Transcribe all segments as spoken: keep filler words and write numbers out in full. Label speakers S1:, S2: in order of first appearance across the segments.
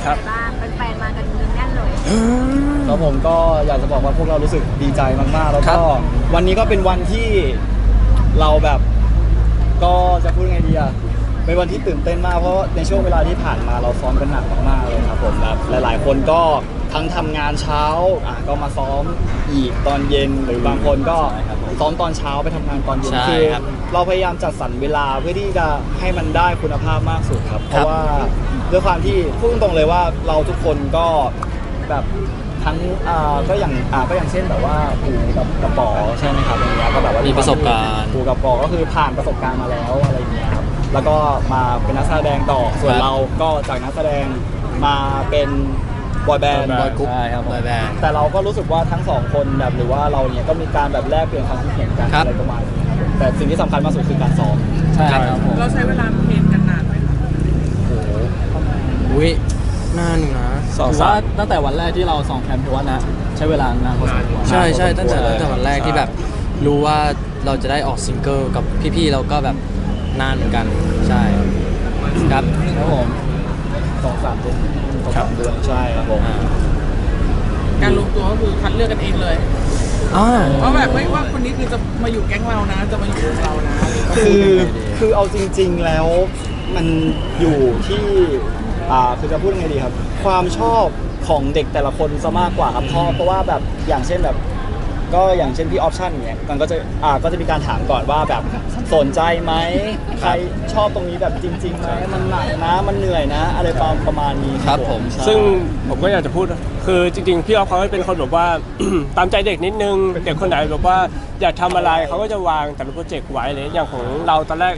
S1: เป็นไงบ้างแฟนๆมากันแน่นเลย
S2: ครับผมก็อยากจะบอกว่าพวกเรารู้สึกดีใจมากๆแล้วก็วันนี้ก็เป็นวันที่เราแบบก็จะพูดไงดีอะเป็นวันที่ตื่นเต้นมากเพราะในช่วงเวลาที่ผ่านมาเราซ้อมกันหนักมากๆเลยครับผมแบบหลายๆคนก็ทั้งทำงานเช้าอ่ะก็มาซ้อมอีกตอนเย็นหรือบางคนก็ซ้อมตอนเช้าไปทำงานตอนเย็นคือเราพยายามจัดสรรเวลาเพื่อที่จะให้มันได้คุณภาพมากสุดครับเพราะว่าด้วยความที่พูดตรงๆเลยว่าเราทุกคนก็แบบทั้งอ่าก็อย่างอ่าก็อย่างเช่นแบบว่าปู่กับกระป๋อใช่ไหมครับอย่างเงี้ยก็แบบว่ามี
S3: ประสบการณ์
S2: ปู่กับกระป๋อก็คือผ่านประสบการณ์มาแล้วอะไรอย่างเงี้ยครับแล้วก็มาเป็นนักแสดงต่อส่วนเราก็จากนักแสดงมาเป็นบอยแบนด์บอยกรุ๊ป
S3: ใช่ครับบอยแบนด์
S2: แต่เราก็รู้สึกว่าทั้งสองคนแบบหรือว่าเราเนี่ยก็มีการแบบแลกเปลี่ยนความคิดเห็นกันอะไรประมาณนี้ครับแต่สิ่งที่สำคัญมากสุดคือการซ้อม
S3: ใช่ครับผม
S4: เราใช้เวลาเทรนกันนานไหมครับ
S3: โอ้โหอุ้ยนานนะ
S5: ถือว่าตั้งแต่วันแรกที่เราสองแคมป์ถือว่านะใช้เวลานานพอสมควร
S3: ใช่ใช่ตั้งแต่ตั้งแต่วันแรกที่แบบรู้ว่าเราจะได้ออกซิงเกิลกับพี่ๆเราก็แบบนานเหมือนกันใช่ครับ
S2: ครับผมสองสามเดือนสองสามเดือนใช่ครับผม
S4: การลงตัวก็คือคัดเลือกกันเองเลยเพราะแบบไม่ว่าคนนี้คือจะมาอยู่แก๊งเรานะจะมาอยู่กับเรานะ
S2: คือคือเอาจริงๆแล้วมันอยู่ที่อ่าคือจะพูดไงดีครับความชอบของเด็กแต่ละคนซะมากกว่าครับเพราะเพราะว่าแบบอย่างเช่นแบบก็อย่างเช่นพี่ออปชั่นอย่างเงี้ยมันก็จะอ่าก็จะมีการถามก่อนว่าแบบสนใจไหมใครชอบตรงนี้แบบจริงๆไหมมันหนักนะมันเหนื่อยนะอะไรประมาณนี้
S3: ครับผม
S5: ซึ่งผมก็อยากจะพูดคือจริงๆพี่ออฟเขาเป็นคนแบบว่า ตามใจเด็กนิดนึงเด็กคนไหนแบบว่าอยากทำอะไรเขาก็จะวางแต่ละโปรเจกต์ไว้เลยอย่างของเราตอนแรก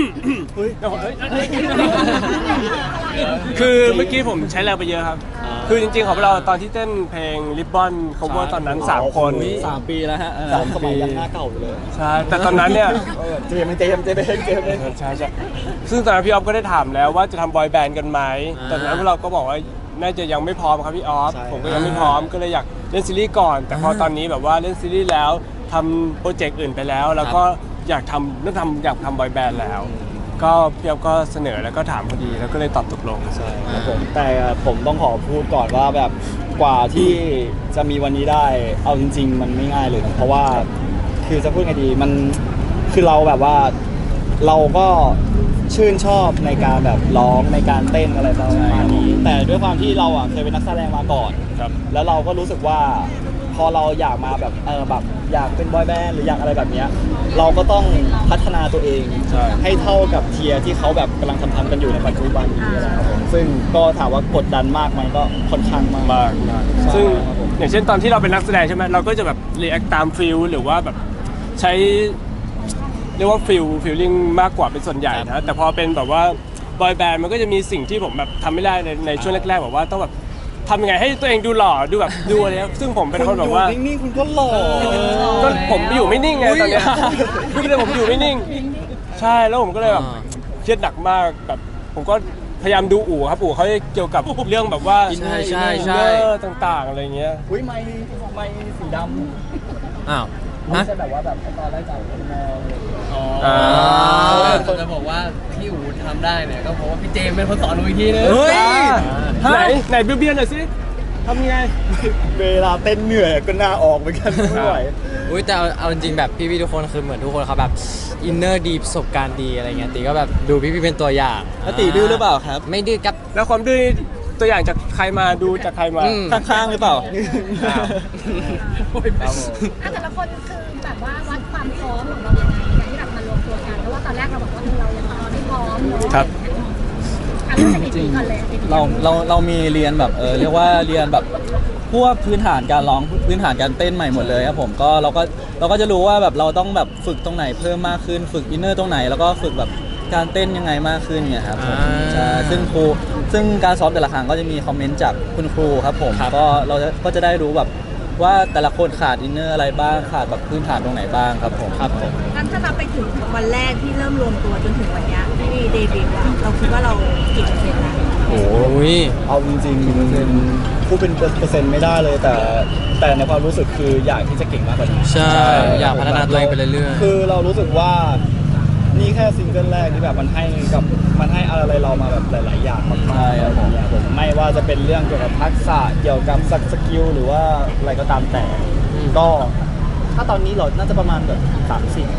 S5: คือเมื่อกี้ผมใช้แรงไปเยอะครับคือจริงๆของเราตอนที่เต้นเพลง Ribbon cover ตอนนั้นสามคน
S2: สามปีแล้วฮะสามสมัยยังหน้าเก่าอยู่เลย
S5: ใช่แต่ตอนนั้นเนี่ย
S2: เจมส์เจมส์เจมส์เจมส์
S5: ใช่ใช่ซึ่งตอนนั้นพี่ออฟก็ได้ถามแล้วว่าจะทำบอยแบนด์กันไหมตอนนั้นพวกเราก็บอกว่าน่าจะยังไม่พร้อมครับพี่ออฟผมก็ยังไม่พร้อมก็เลยอยากเล่นซีรีส์ก่อนแต่พอตอนนี้แบบว่าเล่นซีรีส์แล้วทำโปรเจกต์อื่นไปแล้วแล้วก็อยากทำเรื่องทำอยากทำบอยแบนด์แล้วก็พี่ออฟก็เสนอแล้วก็ถามพอดีแล้วก็เลยตอบตกลง
S2: ใช่ครับผมแต่ผมต้องขอพูดก่อนว่าแบบกว่าที่จะมีวันนี้ได้เอาจริงๆมันไม่ง่ายเลยเพราะว่าคือจะพูดไงดีมันคือเราแบบว่าเราก็ชื่นชอบในการแบบร้องในการเต้นอะไรประมาณนี้แต่ด้วยความที่เราอ่ะเคยเป็นนักแสดงมาก่อนแล้วเราก็รู้สึกว่าพอเราอยากมาแบบเออแบบอยากเป็นบอยแบนด์หรืออยากอะไรแบบนี้เราก็ต้องพัฒนาตัวเองให้เท่ากับเทียร์ที่เขาแบบกำลังทำทำกันอยู่ในปัจจุบันนี้นะครับผมซึ่งก็ถามว่ากดดันมากมันก็ค่อนข้างมาก
S5: มากซึ่งอย่างเช่นตอนที่เราเป็นนักแสดงใช่ไหมเราก็จะแบบรีแอคตามฟิลหรือว่าแบบใช้เรียกว่าฟิลฟิลลิ่งมากกว่าเป็นส่วนใหญ่นะแต่พอเป็นแบบว่าบอยแบนด์มันก็จะมีสิ่งที่ผมแบบทำไม่ได้ในในช่วงแรกๆแบบว่าต้องแบบทำยังไงให้ตัวเองดูหล่อดูแบบดูอะไรซึ่งผมเป็นคนแบบว่า
S2: นิ่งๆคุณก็หล่อ
S5: ก็ผมอยู่ไม่นิ่งไงตอนนี้คือเลยผมอยู่ไม่นิ่งใช่แล้วผมก็เลยแบบเครียดหนักมากแบบผมก็พยายามดูอู่ครับอู่เขาเกี่ยวกับเรื่องแบบว่า
S3: ใช่ใช่ใช่
S5: ต่างๆอะไรเงี้ย
S2: อุ้ยไม้ไม้สีดำ
S3: อ้าว
S2: ไม่ใช่แบบว่าแบบตอนแรกจากคนมอง
S6: อ๋อคนจะบอกว่าพี่อู๋ทำได้เนี่ยก็เพราะว่าพี่เจมเป็นคนสอนอู๋อีกทีนึง
S5: เฮ้ยไหนไหนเบี้ยๆหน่อยสิทำไง
S2: เวลาเต้นเหนื่อยก็น่าออกเหมือนกันไม่ไหว
S3: อุ้ยแต่เอาจริงแบบพี่ๆทุกคนคือเหมือนทุกคนเขาแบบอินเนอร์ดีประสบการณ์ดีอะไรเงี้ยตีก็แบบดูพี่ๆเป็นตัวอย่าง
S5: แล้วตีดื้อหรือเปล่าครับ
S3: ไม่ดื้อครับ
S5: แล้วความดื้อตัวอย่างจากใครมาดูจากใครมา
S3: ข้างๆหรือเปล่า
S1: แต่ละคนคือแบบว่าวัดความพร้อมของเรายังไงในการที่แบบมารวมตัวกันเพราะว่าตอนแรกเราบอกว่าเรายังไม่พร้อมเนาะ
S5: ครับ
S1: จริง
S5: เราเราเรามีเรียนแบบเออเรียกว่าเรียนแบบพวกพื้นฐานการร้องพื้นฐานการเต้นใหม่หมดเลยครับผมก็เราก็เราก็จะรู้ว่าแบบเราต้องแบบฝึกตรงไหนเพิ่มมากขึ้นฝึกอินเนอร์ตรงไหนแล้วก็ฝึกแบบการเต้นยังไงมากขึ้นเนี่ยครับผมใช่ซึ่งครูซึ่งการซ้อมแต่ละครั้งก็จะมีคอมเมนต์จากคุณครูครับผมก็เราก็จะได้รู้แบบว่าแต่ละคนขาดอินเนอร์อะไรบ้างขาดแบบพื้นฐานตรงไหนบ้างครับผม
S3: ครับผม
S1: งั้นถ้าเราไปถึงวันแรกที่เริ่มรวมตัวจนถึงวันนี้ที่เดบิวต์เราคิดว่าเรากี่เปอร์เซ็นต์นะ
S3: โอ้ย
S2: เอาจริงๆเป็นผู้เป็นเปอร์เซ็นต์ไม่ได้เลยแต่แต่ในความรู้สึกคืออยากที่จะเก่งมากกว่านี้
S3: ใช่อยากพัฒนาตัวเองไปเรื่อย
S2: ๆคือเรารู้สึกว่านี่แค่ซิงเกิลแรกที่แบบมันให้กับมันให้อะไรเรามาแบบหลาย ๆ อย่างมากๆ
S5: ใช่ครับผม
S2: ครับผมไม่ว่าจะเป็นเรื่องเกี่ยวกับทักษะเกี่ยวกับสกิลหรือว่าอะไรก็ตามแต่ ก็ถ้าตอนนี้เราน่าจะประมาณแบบสามสิบ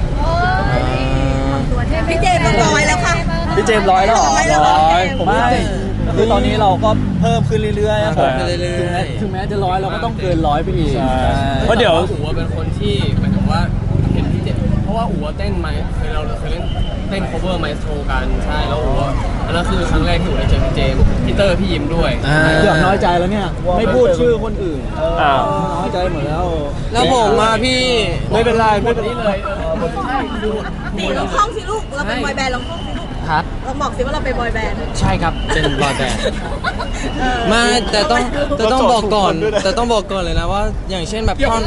S1: พี่เจมส์ต้องร้อยแล้วค่ะ
S2: พี่เจมส์ร้อยแล้วเหรอ
S5: ร้อย
S2: ผม
S5: ไม่
S2: ไม่
S5: คือตอนนี้เราก็เพิ่มขึ้นเรื่อยๆครับผม
S3: เพิ่มขึ้นเรื่อยๆ
S5: ถึงแม้ถึงแม้จะร้อยเราก็ต้องเกินร้อยไปอีก
S6: ใช่ เพราะเดี๋ยวอู๋เป็นคนที่หมายถึงว่าเห็นพี่เจเพราะว่าอู๋เต้นไมเคยเราเคยเล่นเต้น cover ไมโทรกันใช่แล้วอู๋อันนั้นคือครั้งแรกที่อู๋ได้เจอพี่เจมส์พี่เตอร์พี่ยิมด้วย
S3: อ่า
S5: เกือบน้อยใจแล้วเนี่ย ไม่พูดชื่อคนอื่น
S6: อ้าว
S5: น้อยใจหมดแล้ว
S3: แล้วผมมาพี่
S6: ไม่เป็นไรไม่เป็นไรเลย
S7: ตีลองท่องสิลูก เราเป็นบอยแบนด์ลองท่องสิลูก
S3: ครับ
S7: เราบอกสิว่าเราเป็นบอยแบนด์
S3: ใช่ครับ เป็นบอยแบนด์มาแต่ต้องแต่ต้องบอกก่อน แต่ต้องบอกก่อนเลยนะว่า อย่างเช่นแบบท่อน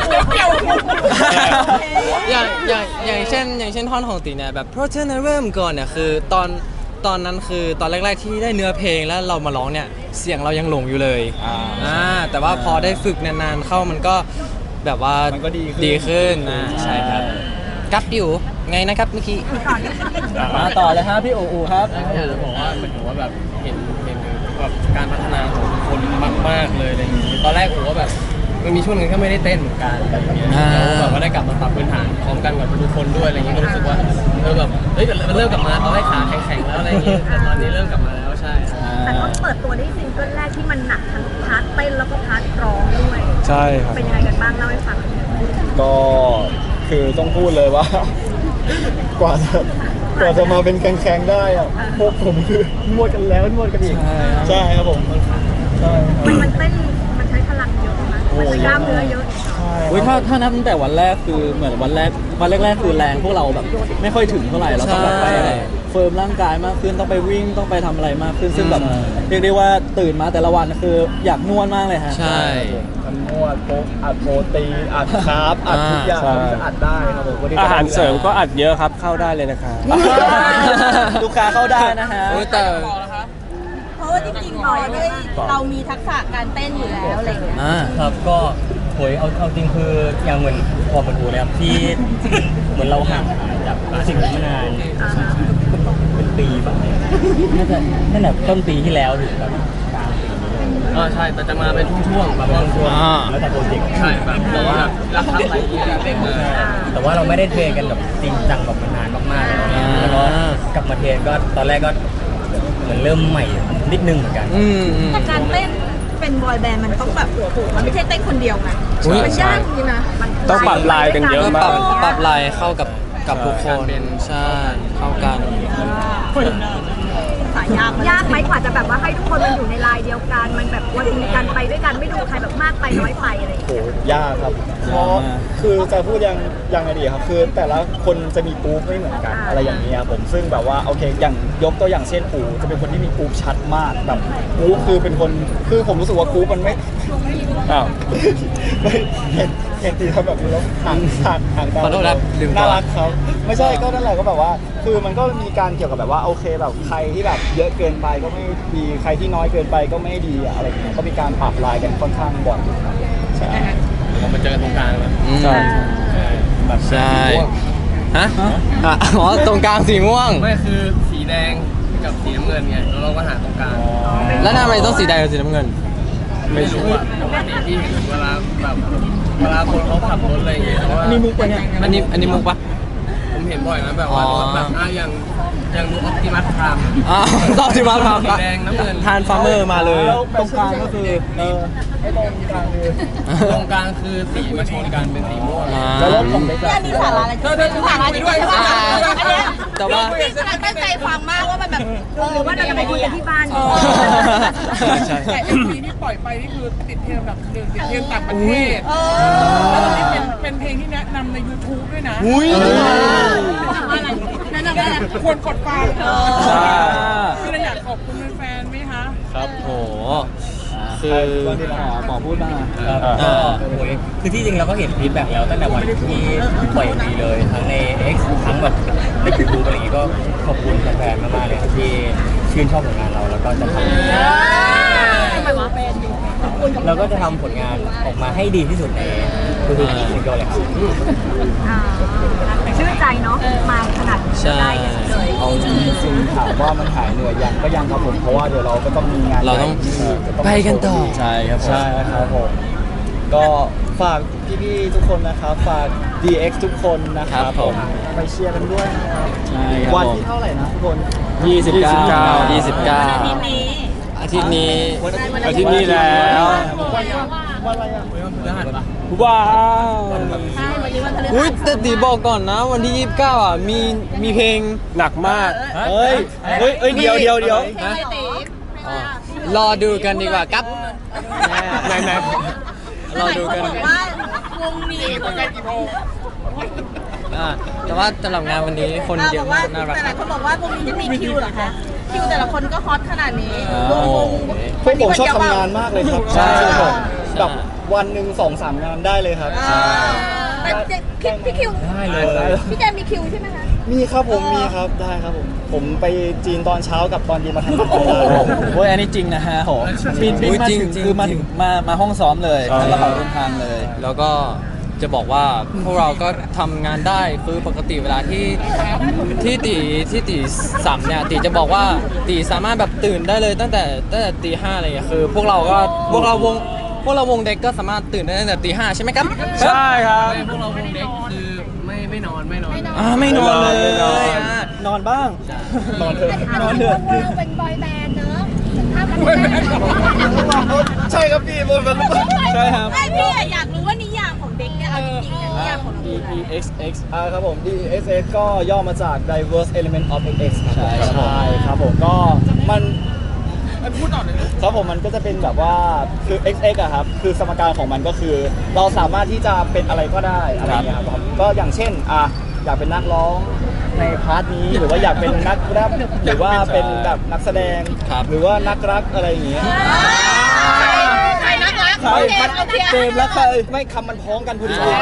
S3: อย่างอย่างอย่างเช่น อย่างเช่นท่อนของตีเนี่ยแบบเพราะเธอนั้นเริ่มก่อนเนี่ยคือตอนตอนนั้นคือตอนแรก ๆ ที่ได้เนื้อเพลงแล้วเรามาร้องเนี่ยเสียงเรายังหลงอยู่เลยอ่าแต่ว่าพอได้ฝึกนานๆเข้ามันก็แบบว่า
S2: มันก็ดีขึ้น
S3: ดีขึ้นนะใช่ครับกับดิวไงนะครับเมื่อกี้
S5: มาต่อเลยฮะพี่อูอูครับ
S6: อยากจะบอกว่าเหมือนกับว่าแบบเห็นเห็นแบบการพัฒนาของทุกคนมากๆเลยอะไรอย่างนี้ตอนแรกผมว่าแบบมันมีช่วงหนึงก็ไม่ได้เต้นเหมือนกันอะไรอย่างเงี้ย
S3: อ่า
S6: แล้วแบบว่าได้กลับมาปรับพื้นฐานพร้อมกันกับทุกคนด้วยอะไรอย่างเงี้ยก็รู้สึกว่าเออแบบเฮ้ยมันเริ่มกลับมาตอนแรกขาแข็งๆแล้วอะไรอย่างเงี้ยแต่ตอนนี้เริ่มกลับมาแล้วใช่
S7: แต่ก็เปิดตัวได้ซิงเกิลแรกที่มันหนักทั้งพาร์ทเต้นแล้วก็พาร์ทร้องด้วย
S2: ใช่ครับ
S7: เป็นยังไงกันบ้างเล่าให้ฟัง
S2: ก็คือต้องพูดเลยว่า กว่าจะกว่าจะมาเป็นแข็งๆได้อะพวกผมคือนวดกันแล้วนวดกันอีก
S5: ใช่ครับ
S2: ใช่ครับผมใช่ครับ
S7: มันมันเต้นมันใช้พลังเยอะนะมันใช้กล้ามเนื้อเยอะ
S5: อุ้ยถ้าถ้านับตั้งแต่วันแรกคือเหมือนวันแรกวันแรกๆคือแรงพวกเราแบบไม่ค่อยถึงเท่าไหร่เราต้องแบบไป
S3: ใช่
S5: เฟิร์มร่างกายมากขึ้นต้องไปวิ่งต้องไปทำอะไรมากขึ้นซึ่งแบบเรียกได้ว่าตื่นมาแต่ละวันคืออยากนวดมากเลยฮะ
S3: ใช่
S2: มันนวดโป๊กอัดโปรตีนอัดคาร์บอัดทุกอย่าง
S6: ใช่
S2: มันจะอัดได้ครับผมวันนี้
S6: อาหารเสริมก็อัดเยอะครับเข้าได้เลยนะครับ
S5: ลูกค้าเข้าได้นะฮะ
S3: โอ้ยแต่
S7: เพราะว่าจริงๆบอยด้วยเรามีทักษะการเต้นอยู่แล้วอะไรอย่างเงี้ย
S3: อ่า
S8: ครับก็โหยเอาเอาจริงคืออย่างเหมือนพอมาดูเลยครับที่ เหมือนเราห่างหายจากสิ่งนี้มานานเป็นปีแบบน่าจะตั้งแต่ต้นปีที่แล้วถึงแบบกลางปีนี้
S6: อ่าใช่แต่จะมาเป็นช่วงๆแบบว่า
S8: ช่วง
S3: อ่า
S8: แล้วแต่โปรเจกต์
S6: ใช่แบบเราแบบรับทำอะไรอย่างเงี้ยเต็มเลย
S8: แต่ว่าเราไม่ได้เทรนกันแบบจริงจังแบบมานานมากๆแล้วเนี่ยแล้วก็กลับมาเทรนก็ตอนแรกก็เหมือนเริ่มใหม่นิดนึงเหมือนกัน
S3: อืมอืม
S7: แต่การเต้นเป็นบอยแบนด์มันต้องแบบมันไม่ใช่เต้นคนเดียวไง
S3: อุ๊ย
S7: มันยากจริงนะมัน
S6: ต้องปรับลายกันเยอะ
S3: ก็
S6: มา
S3: ป
S6: ก
S3: รับปรับลายเข้ากับกับทุกคนใช่เข้ากัน
S7: สายยากยากไหมกว่าจะแบบว่าให้ทุกคนมันอยู่ในลายเดียวกันมันแบบวันนี้กันไปด้วยกันไม่ดูใครแบบมากไปน้อยไปอะไรอย่าง
S2: โห
S7: เงี้ย
S2: ยากครับ เพราะคือจะพูดยังยังไงดีครับ คือแต่ละคนจะมีกรุ๊ปไม่เหมือนกันอะไรอย่างเงี้ยผมซึ่งแบบว่าโอเคอย่างยกตัวอย่างเช่นปูจะเป็นคนที่มีกรุ๊ปชัดมากแบบกรุ๊ปคือเป็นคนคือผมรู้สึกว่ากรุ๊ปมันไม่
S6: อ้าว
S2: ไม่เห็นเห็นตีทำแบบนี้แล้วห่างห่างห่างกัน
S3: ขอโทษครับลืมก่อน
S2: น่ารักเขาไม่ใช่ก็นั่นแหละก็แบบว่า คือมันก็มีการเกี่ยวกับแบบว่าโอเคแบบใครที่แบบเยอะเกินไปก็ไม่ดีใครที่น้อยเกินไปก็ไม่ดีอะไรอย่างเงี้ยก็มีการปรับลายกันค่อนข้างบ่อยอยู่ครับใช่
S6: เรามาเจอกันตรงกลางแล้ว
S3: อืม
S2: ใช่
S6: แบบ
S3: ใช่
S6: ม่วง
S3: ฮะอ่ะอ๋อตรงกลางสีม่วง
S6: ไม่คือสีแดงกับสีน้ำเงินไงแล้วเราก็หาตรงกลาง
S3: แล้วทำไมต้องสีแดงกับสีน้ำเงิน
S6: ไม่รู้อะปกติที่เห็นเวลาแบบเวลาคนเขาขับรถอะไรอย่างเงี้ยแต่ว่า
S5: นี่มุกปะเนี่ย
S3: อันนี้อันนี้มุกปะ
S6: ผมเห็นบ่อยนะแบบว่า
S3: อ๋อ
S6: แบบอ่ะอย่างอย่างดูออปติมัสพราม
S3: อ้าวต้องที่มาทำ
S6: สีแดงน้ำเงิน
S3: ทานฟาร์เมอร์มาเลย
S2: แล้วตรงกลางก็คือเออไอ้ตรงกลางคือ
S6: ตรงกลางคือสีมาชนกันเป็นสีม่วง
S3: อ่า
S2: แล้วรถของเล็ก
S7: เนี่ยนี่สาระอะไร
S6: เธอเธอสาระจริงด้วย
S7: ใช่ปะอันเนี้ย
S3: แต่ว่า
S7: พี่กำลังตั้งใจฟังมากว่ามันแบบเออว่าเราจะไปคุยกันที่บ้านดี
S3: ใช่
S4: แต่ เอ็ม วี ที่ปล่อยไปนี่คือติดเทรนด์อันดับหนึ่งติดเทรนด์ต่างประเทศ
S7: เอ
S4: แล้วตอน
S7: อ
S4: นี้เป็นเป็นเพลงที่แนะนำใน YouTube ด้วยนะ
S3: อุ้ย
S7: อะไรนั่นน่ะนั่นน่ะ
S4: ควรกดฟัง
S7: เออ
S5: ใช่
S4: พี่เลยอยากขอบคุณแฟนๆไหมคะ
S3: ครับโหคือ
S5: หมอหมอพูดบ้างอะ
S8: ครับก็โอ้ยคือที่จริงเราก็เห็นฟีดแบ็กแล้วตั้งแต่วันที่ปล่อยดีเลยทั้งใน X ทั้งแบบในยูทูบอะไรอย่างงี้ก็ขอบคุณแฟนๆมากๆเลยครับที่ชื่นชอบผลงานเราแล้วก็จะทำ
S7: ทำไมวะเป็นขอบคุณกับ
S8: เราก็จะทำผลงานออกมาให้ดีที่สุดในทุกๆซิงเกิลเลยครับ
S7: อ่าชื่นใจเนาะมาขนาดนี้
S3: ใช่
S7: ได้กันเลย
S2: เอาจริงๆถามว่ามันหายเหนื่อยยังก็ยังครับผมเพราะว่าเดี๋ยวเราก็ต้องมีงาน
S3: เราต้อง
S2: ใหญ่ที่
S3: ไปกันต่อ
S5: ใช่ครับผม
S2: ใช่ครับผมก็ฝากพี่ๆทุกคนนะครับฝาก ดี เอ็กซ์ ทุกคนนะครั
S3: ครับ บผม
S2: ไปเชียร์กันด้วยนะครับ
S5: ใช่ครับ
S2: วัน
S5: ผม
S2: ที่เท่าไหร่นะทุกคน
S5: ยี่สิบเก้า
S3: ยี่สิบเก้า
S7: ทีนี้
S3: อาทิตย์นี้
S2: อาทิตย์นี้แล้ว
S1: วันวันอะไรอ่ะ
S5: ว้าว
S7: ใช่วันนี้วันพฤหัส
S3: อุ้ยแต่ตีบอกก่อนนะ วันที่ยี่สิบเก้าอ่ะมีมีเพลง
S6: หนักมาก
S2: เฮ้ยเฮ้ยเฮ้ยเดี๋ยวเดี๋ยวเดี๋ยว
S7: เพลงอะไรตี
S3: อ๋อรอดูกันดีกว่าครับ
S6: ไหนไหน
S3: รอดูกัน
S7: บอกว่าวงนี้คือ
S3: อ่าแต่ว่าสำหรับงานวันนี้คนเยอะมากน่ารัก
S7: แต่หลายคนบอกว่าวงนี้จะมีคิวเหรอคะคิวแต่ละคนก็ฮอตขนาดนี้
S3: อ้าว
S7: วงวง
S2: พวกผมชอบทำงานมากเลยครับ
S3: ใช่
S2: ผม
S3: ใช่
S2: แบบวันหนึ่งสองสามงานได้เลยครับ
S7: อ่าแต่เจพี่พี่คิว
S2: ได้เลย
S7: พี่แจมมีคิวใช่ไหมคะ
S2: มีครับผมมีครับได้ครับผมผมไปจีนตอนเช้ากับตอนเย็นมาทำงานได้
S5: โอ้ยอันนี้จริงนะฮะโหบินบิน
S3: อุ๊ย
S5: มา
S3: จริง
S5: ถึง
S3: จริง
S5: คือมา
S3: จริ
S5: ถึ
S3: ง
S5: งมามาห้องซ้อมเลยแล้วกระเป๋าเดินทางเลย
S3: แล้วก็จะบอกว่าพวกเราก็ทำงานได้คือปกติเวลาที่ที่ตีที่ตีสามเนี่ยตีจะบอกว่าตีสามารถแบบตื่นได้เลยตั้งแต่ตั้งแต่ตีห้าอะไรอย่างเงี้ยคือพวกเราก็พวกเราวงพวกเราวงเด็กก็สามารถตื่นได้ตั้งแต่ตีห้าใช่ไหมครับ
S6: ใช่ครับพวกเราวงเด็กคือไม่ไม่นอนไม่นอน
S3: อ่าไม่นอนเลย
S2: ไม่นอน
S3: อ่ะ
S2: นอนบ้าง นอนเถอะ
S1: แต่
S2: นอน
S1: ที่
S2: เถ
S1: เรา
S2: อะ
S1: เป็นบอยแบนด์เนอะถึงภาพมันแบนด์
S2: ใช่ครับพี่บนมันใช่ครับ
S7: ไม่พี่อะอยากรู้ว่านิยามของเด็กเนี่ยเอาจริงๆเนี่ยนิยามของเรา
S2: D
S7: คืออะไร
S2: E X X อ่าครับผม D E X X ก็ย่อมาจาก Diverse Element of X ครับ
S5: ใช่ครับผม
S2: ใช่ครับผมก็มัน
S4: ไอ้พูดต่อเลย
S2: ครับผมมันก็จะเป็นแบบว่าคือ X X อะครับคือสมการของมันก็คือ เราสามารถที่จะเป็นอะไรก็ได้อะไรอย่างเงี้ยครับก็อย่างเช่นอ่ะอยากเป็นนักร้องในพาร์ทนี้หรือว่าอยากเป็นนักแรปหรือว่าเป็นแบบนักแสดง
S3: ครับ
S2: หรือว่านักรักอะไรอย่างเงี้ย
S7: ใครนักรัก
S2: ใคร
S7: โอเคโอเค
S2: เกมแล้วใครไม่คำมันพ้องกันพอดี
S3: การ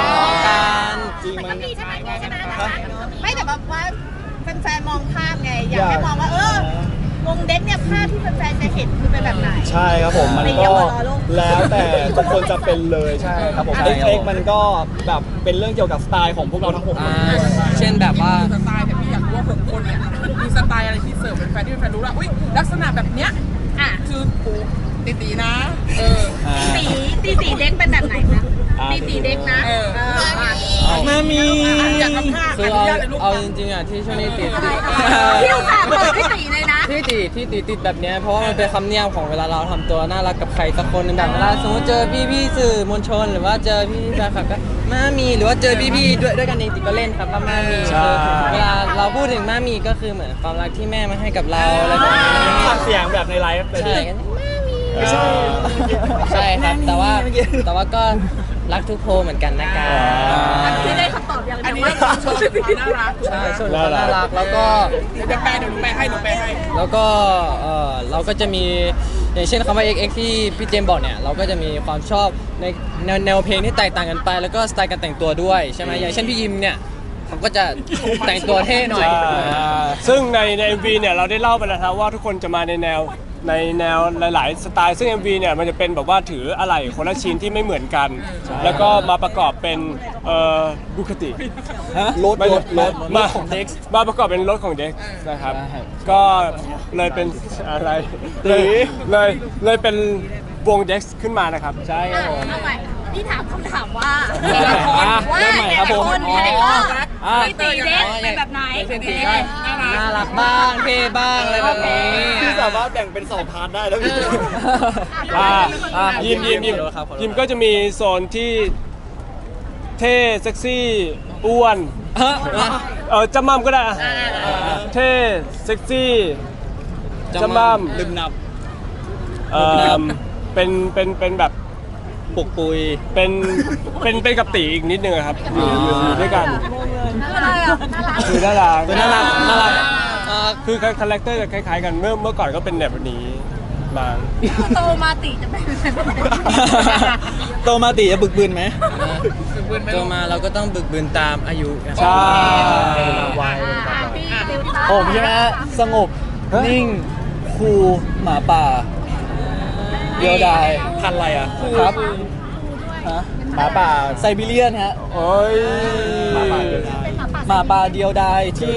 S2: จริงมัน
S7: ใช่ไหมใช่ไหมไม่แต่แบบว่าแฟนๆมองภาพไง อยากให้มองว่าเออวงเด็กเนี่ยภาพที่แฟนๆจะเห็นคือเป็นแบบไหน
S2: ใช่ครับผมมัน
S7: ไม่
S2: ก็
S7: เยาวชนโลก
S2: แล้วแต่ทุกคนจะเป็นเลยใช่ครับผม
S5: ใช่ครับ
S2: X X มันก็แบบเป็นเรื่องเกี่ยวกับสไตล์ของพวกเราทั้งหกค
S3: อ่าน เช่นแบบว่า
S4: สไตล์แต่พี่อยากรู้ว่าหกคนเนี่ยมีสไตล์อะไรที่เสิร์ฟเป็นแฟนที่เป็นแฟนรู้ว่าอุ้ยลักษณะแบบเนี้ย
S7: อ่ะ
S4: คือปูตีตีๆนะ เออ
S7: ตีตีตีเด็กเป็นแบบไหนนะตีตีเด็กนะ
S4: เออ
S7: เอออ่ะ
S5: มามี
S4: อยากทำท่า
S3: คือ
S4: อนุ
S3: เอา
S4: ญาตเลยลูก
S3: เอาจริงๆอ่ะที่ช่วงนี้ติดติด
S7: พี่อุตส่าห์เปิดให้ตีเลยนะ
S3: ที่ติดที่ติดติดแบบเนี้ยเพราะว่ามันเป็นคำนิยามของเวลาเราทำตัวน่ารักกับใครสักคนหนึงแบบเวลาสมมติเจอพี่พี่ๆสื่อมวลชน หรือว่าเจอพี่แฟนคลับก็มามีหรือว่าเจอพี่พี่ๆด้วยด้วยกันเองติดก็เล่นครับว่ามามี
S2: ใช่
S3: คือเวลาเราพูดถึงมามีก็คือเหมือนความรักที่แม่มาให้กับเราอะไรแบบนี้
S2: ฟังเสียงแบบในไลฟ์เลย
S3: ใช่กัน
S2: ไม่ใช่
S3: ใช่ครับแต่ว่าแต่ว่าก็รักทุกโพลเหมือนกันนะครับ
S7: พี่ได้คำตอบอย่าง
S4: อัน
S7: เดี
S4: นี้
S7: ยวว่า
S4: โชว์ความน่ารัก
S3: ใช่ส่วนความน่ารักแล้วก็
S4: เดี๋ยวแปลเดี๋ยวหนูแปลให้หนูแปลให้
S3: แล้วก็เออเราก็จะมีอย่างเช่นคำว่า เอ็กซ์ เอ็กซ์ ที่พี่เจมส์บอกเนี่ยเราก็จะมีความชอบในแนวแนวเพลงที่แตกต่างกันไป แล้วก็สไตล์การแต่งตัวด้วยใช่ไหมอย่างเช่นพี่ยิมเนี่ยเขาก็จะแต่งตัวเท่หน่อย
S6: ซึ่งในใน เอ็ม วี เนี่ยเราได้เล่าไปแล้วครับว่าทุกคนจะมาในแนวในแนวหลาย ๆ สไตล์ซึ่ง เอ็ม วี เนี่ยมันจะเป็นแบบว่าถืออะไหล่คนละชิ้นที่ไม่เหมือนกัน แล้วก็มาประกอบเป็นเอ่อบุคติ
S2: รถ
S6: ไม่
S2: รถรถ
S6: มาของเด็กมาประกอบเป็นรถของเด็กนะครับ ก็เลยเป็นอะไร
S2: ตี
S6: เลยเลยเลยเป็นวงเด็กขึ้นมานะครับ
S2: ใช่ครับผม
S7: เอาใหม่พี่ถามคำถามว่า
S3: อ่ะ
S7: ว่า
S3: เริ่มใหม่ครับผม
S7: แต่ละคน
S3: อ๋อ
S7: แต่ละคน
S3: อ่ะ
S7: ตีตีเด็กเป็นแบบไหน
S3: เช่นตีก็น่ารักบ้างเท่บ้างอะไรแบบนี้
S2: พี่สามารถแบ่งเป็นสองพาร์ทได้แล้วพี่
S6: อ่า
S3: อ่ะ
S6: ยิมยิมยิม
S3: ขอโทษครับขอโทษ
S6: ยิมก็จะมีโซนที่เท่เซ็กซี่อ้วน
S3: ฮะ
S6: เออจำมั่มก็ได้อะเท่เซ็กซี่จำมั่ม
S2: ลืมนับ
S6: เออเป็นเป็นเป็นแบบ
S2: ปุกปุย
S6: เป็นเป็นเป็นกับตีอีกนิดนึงอะครับอยู่อยู่อยู่ด้วยกัน
S7: อะไรอ่ะ
S6: คือน่ารัก
S2: น่ารักน่ารัก
S6: อ่าคือคาแรคเตอร์จะคล้ายๆกันเมื่อเมื่อก่อนก็เป็นแบบนี้บาง
S7: โตมาติจะเป็นแบบไหน
S5: โตมาติจะบึกบืนไหม
S3: โตมาเราก็ต้องบึกบืนตามอายุนะครับ
S6: ใช่
S2: วัย
S7: อ่ะพี่ติวต้า
S5: ผมใช่ไหมฮะสงบ นิ่ง คูลหมาป่าเดียวดาย
S2: พันธุ์อะไรอ่ะ
S5: ครับฮะ
S2: หมาป่า
S5: ไซบีเรียนฮะ
S2: โอ้ยหมาป่า
S1: เป็นหมาป่า
S5: หมาป่าเดียวดายที่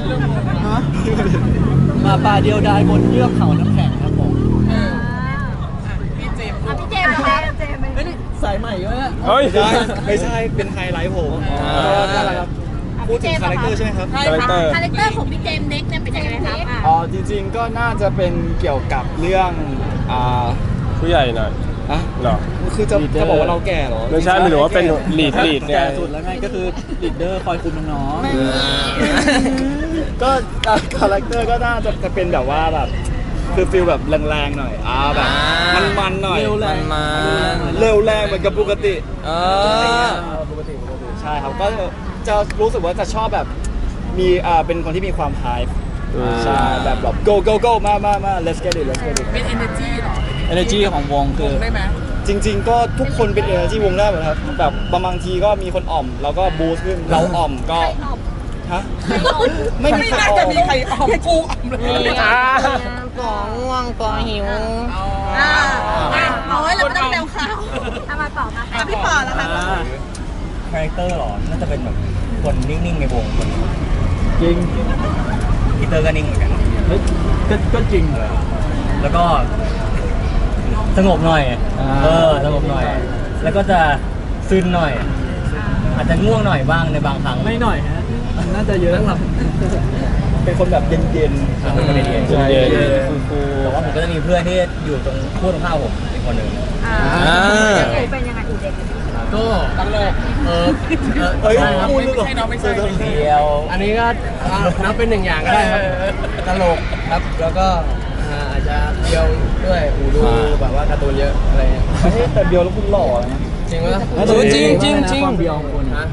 S5: หมาป่าเดียวดายบนเยือกเขาน้ำแข็งครับผม
S4: พี่เจมส์
S1: อ่ะพี่เจมส์นะคะเจมส์เป็น
S5: เฮ้ยนี่สายใหม่เยอะ
S2: เฮ้ยไม่ใช่ไม่ใช่เป็นไฮไลท์ผมนั่นแหละครับพูดถึงคาแรคเตอร์ใช่ไหมครับ
S4: ใช่
S2: คาแรค
S4: ค่ะ
S2: เตอร์
S7: คาแรคเตอร์ของพี่เจมส์เน็กเนี่ยเป็นยังไงครับอ่ะ
S2: อ๋อจริงๆก็น่าจะเป็นเกี่ยวกับเรื่องอ่า
S6: ผู้ใหญ่หน่อย
S2: อะ
S6: เหรอ
S2: คือจะจะบอกว่าเราแก่เหรอ
S6: ไม่ใช่หมายถึงว่าเป็นลีดลีดไง
S5: แก่สุดแล้วไงก็คือลีดเดอร์คอยคุมน้องๆ
S2: ก็อ่ะคาแรคเตอร์ก็น่าจะจะเป็นแบบว่าแบบคือฟิลแบบแรงๆหน่อยอ่าแบบมันๆหน่อย
S5: เร็วแรง
S3: มัน
S2: เร็วแรงเหมือนกับปกติ
S3: เออ
S2: ปกติปกติใช่ครับก็จะรู้สึกว่าจะชอบแบบมีอ่าเป็นคนที่มีความไฮป์ใช่แบบแบบ go go go มามามา let's get it let's get it
S4: เป็น energy เหรอ
S5: energy ของวงคือ
S4: ได้ไหม
S2: จริง ๆ ก็ทุกคนเป็น energy วงได้หมดครับแบบบางทีก็มีคนอ่อมแล้วก็บูสต์ขึ้นเราอ่อมก็ฮะไม่มี
S4: ไม่
S2: ใคร
S4: น่า
S2: อ่
S4: จะ
S2: อม
S4: มีใครออมกูออมเลย
S3: ปอง่วงปอหิว
S7: อ่าอ่ะเอาไว้เราไม่ต้องแนวข่าว
S1: ถ้ามาต่อมา
S7: อ่ะพี่ปอแล้วค่ะ
S8: คาแรคเตอร์หรอ น่าจะเป็นแบบคนนิ่งๆในวงคน
S5: จริง
S8: พีเตอร์ก็นิ่งเหมือนกัน
S5: เฮ้ยก็ก็จริงเลย
S8: แล้วก็สงบหน่อย
S5: อ่า
S8: เออ สงบหน่อย แล้วก็จะซึนหน่อย อาจจะง่วงหน่อยบ้างในบางครั้ง
S5: ไม่หน่อยฮะน่าจะเยอะครับ
S2: เป็นคนแบบเย็นๆ
S8: เป็นคนเย็นๆ
S2: ใช่
S5: เย็น
S2: เย็น
S5: ฟู
S8: แต่ว่าผมก็จะมีเพื่อนที่อยู่ตรงคู่ตรงข้ามผมอีกคนหนึ่ง
S1: อ่า
S3: อ่า
S1: อูเป็นยังไงอูเด็ก
S6: ก็ตลกเออเออ
S2: เฮ้ย
S6: ใช่ครับ
S2: พูด
S4: ไม่ใช่น้องไม่ใช่
S8: เดียว
S6: อันนี้ก็อ่ะนับเป็นหนึ่งอย่างก็ได้ครับตลกครับแล้วก็อ่าอาจจะเดียวด้วยอูดูแบบว่าการ์ตูนเยอะอะไรเงี้ย
S2: เฮ้ยแต่เดียวแล้วคุณหล่อนะ
S6: จริงปะ
S3: เออจริงจริงจริง
S5: ความเบียวของคน
S6: ฮะ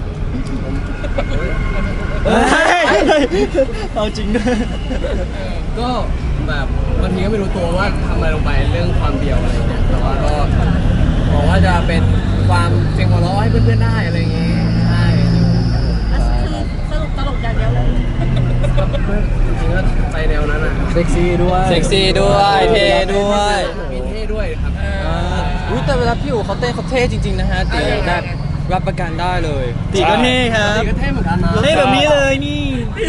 S5: เฮ้ยเอาจริงด้วย
S6: ก็แบบบางทีก็ไม่รู้ตัวว่าทำอะไรลงไปเรื่องความเดียวอะไรเงี้ยแต่ว่าก็บอกว่าจะเป็นความเสียงหัวเราะให้เพื่อนๆได้อะไรอย่างงี้ใช่
S7: สรุปตลกอย่างเดียวเลย
S6: ก็จริงๆก็ไปแนวนั้นอ่ะ
S5: เซ็กซี่ด้วย
S3: เซ็กซี่ด้วยเท่ด้วย
S6: มีเท่ด้วยครับ
S3: อุ้ยแต่เวลาพี่อู๋เขาเต้นเขาเท่จริงๆนะฮะตีแบบรับประกันได้เลย
S5: ตีก็เท่ครับ
S6: ตีก็เท่เหมือนกันนะ
S5: เท่แบบนี้เลยนี่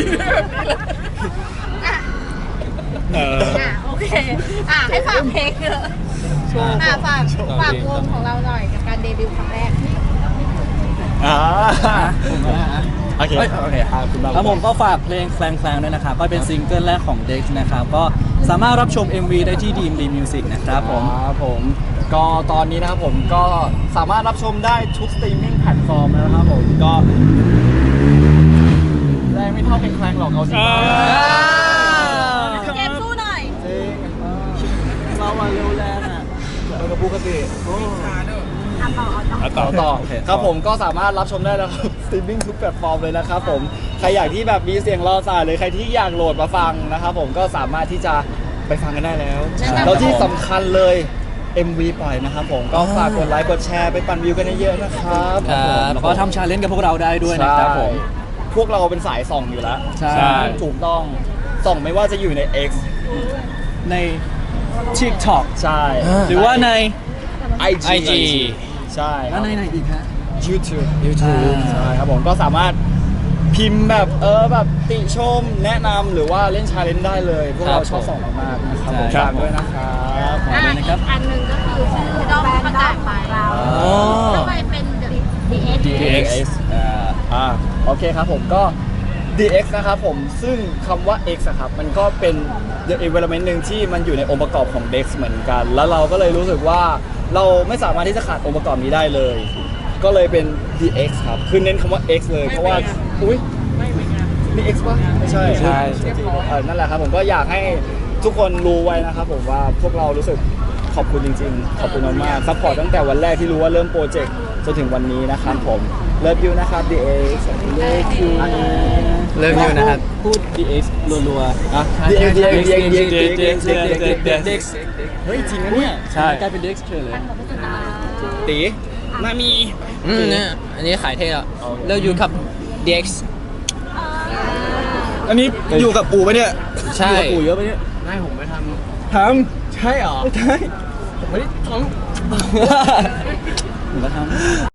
S2: เออ
S7: อ่ะโอเค อ่ะให้ฝากเพลงเถอะอ่ะฝากฝากวงของเราหน่อยกับการเดบิวต์ครั้งแรก
S2: อ่า
S5: ผมก็ได้ฮะ
S2: โอเคโอเคครับคุณบ้า
S5: ครับผมก็ฝากเพลงแคลงแคลงด้วยนะครับ ก็เป็นซิงเกิลแรกของ Dex นะครับ ก็สามารถรับชม เอ็ม วี ได้ที่ ดี เอ็ม ดี Music นะครับผม
S2: ครับผมก็ตอนนี้นะครับผมก็สามารถรับชมได้ทุกสตรีมมิ่งแพลตฟอร์มแล้วนะครับผมก็แรงไม่เท่าเพลงแคลงหรอกเอาจริง
S7: เจมส์สู้หน่อย
S2: จริง
S5: เราอะเร็วแรงอะ
S2: เรากับปกติ
S1: อ่ะต่อเอาต่อ
S2: ต่อต่อ
S5: โอเค
S2: ครับผมก็สามารถรับชมได้แล้วครับสตรีมมิ่งทุกแพลตฟอร์มเลยนะครับผมใครอยากที่แบบมีเสียงรอสายหรือใครที่อยากโหลดมาฟังนะครับผมก็สามารถที่จะไปฟังกันได้แล้ว
S7: ใช่ครับ
S2: แล้วที่สำคัญเลย เอ็ม วี ปล่อยนะครับผมก็ฝากกดไลค์กดแชร์ไปปั่นวิวกันเยอะๆนะครับ
S3: ครับ
S5: แล้วก็ทำชาเลนจ์กับพวกเราได้ด้วยนะครับผม
S2: ใช่พวกเราเป็นสายส่องอยู่แล้ว
S5: ใช่
S2: ถูกต้องส่องไม่ว่าจะอยู่ใน X
S5: ใน TikTok
S2: ใช่
S5: หรือว่าใน
S2: ไอ
S3: ไอจี
S2: ใช่
S5: แล้วในไหนอีกฮะ
S2: YouTube
S5: YouTube
S2: ใช่ครับผมก็สามารถพิมพ์แบบเออแบบติชมแนะนำหรือว่าเล่นชาเลนจ์ได้เลย พวกเราชอบส่องมากๆนะครับผม
S5: ใช่
S2: ฝากด้วยนะครับ
S5: ขอด้วยนะครับ
S7: อันหนึ่งก็คือชื่อด้อมประกาศไปเรา
S3: อ๋อ
S7: ทำไมเป็น ดี เอ็กซ์
S2: ดี เอ็กซ์ อ่าอ่าโอเคครับผมก็ ดี เอ็กซ์ นะครับผมซึ่งคำว่า X อะครับมันก็เป็น the environment หนึ่งที่มันอยู่ในองค์ประกอบของ Dex เหมือนกัน แล้วเราก็เลยรู้สึกว่าเราไม่สามารถที่จะขาดองค์ประกอบนี้ได้เลย ก็เลยเป็น ดี เอ็กซ์ ครับคือเน้นคำว่า X เลยเพราะว่าอุ้ยนี่ X ปะไม่ใช่
S5: ใช่
S2: เออนั่นแหละครับผมก็อยากให้ทุกคนรู้ไว้นะครับผมว่าพวกเรารู้สึกขอบคุณจริงๆ ขอบคุณมากๆซัพพอร์ตตั้งแต่วันแรกที่รู้ว่าเริ่มโปรเจกต์จนถึงวันนี้นะครับผมเลิฟยูนะครับ ดี เอ็กซ์ เลิฟยู
S3: เริ่มอยู่นะครับ
S5: พูด ดี เอ็กซ์ รัว
S2: อ่ะ ดี เอ็กซ์ ดี เอ็กซ์ ดี เอ็กซ์ ดี เอ็กซ์ ดี
S5: ๆ
S2: เอ็กซ์ เฮ้ยจริงนะเนี่ย
S5: ใช่กลายเป็น Dex เฉยเลย
S2: ตีนามี
S3: อืมเนี่ยอันนี้ขายเท่แล้วเริ่มอยู่กับ ดี เอ็กซ์
S2: อันนี้อยู่กับปู่ปะเนี่ย
S3: ใช่
S2: อยู่กับปู่เยอะปะเนี่ย
S6: ไม่ผมไม่ท
S2: ทำใช่เหรอใช่
S6: ำผมไม่ได้ท้อง
S5: ผมก็ทำ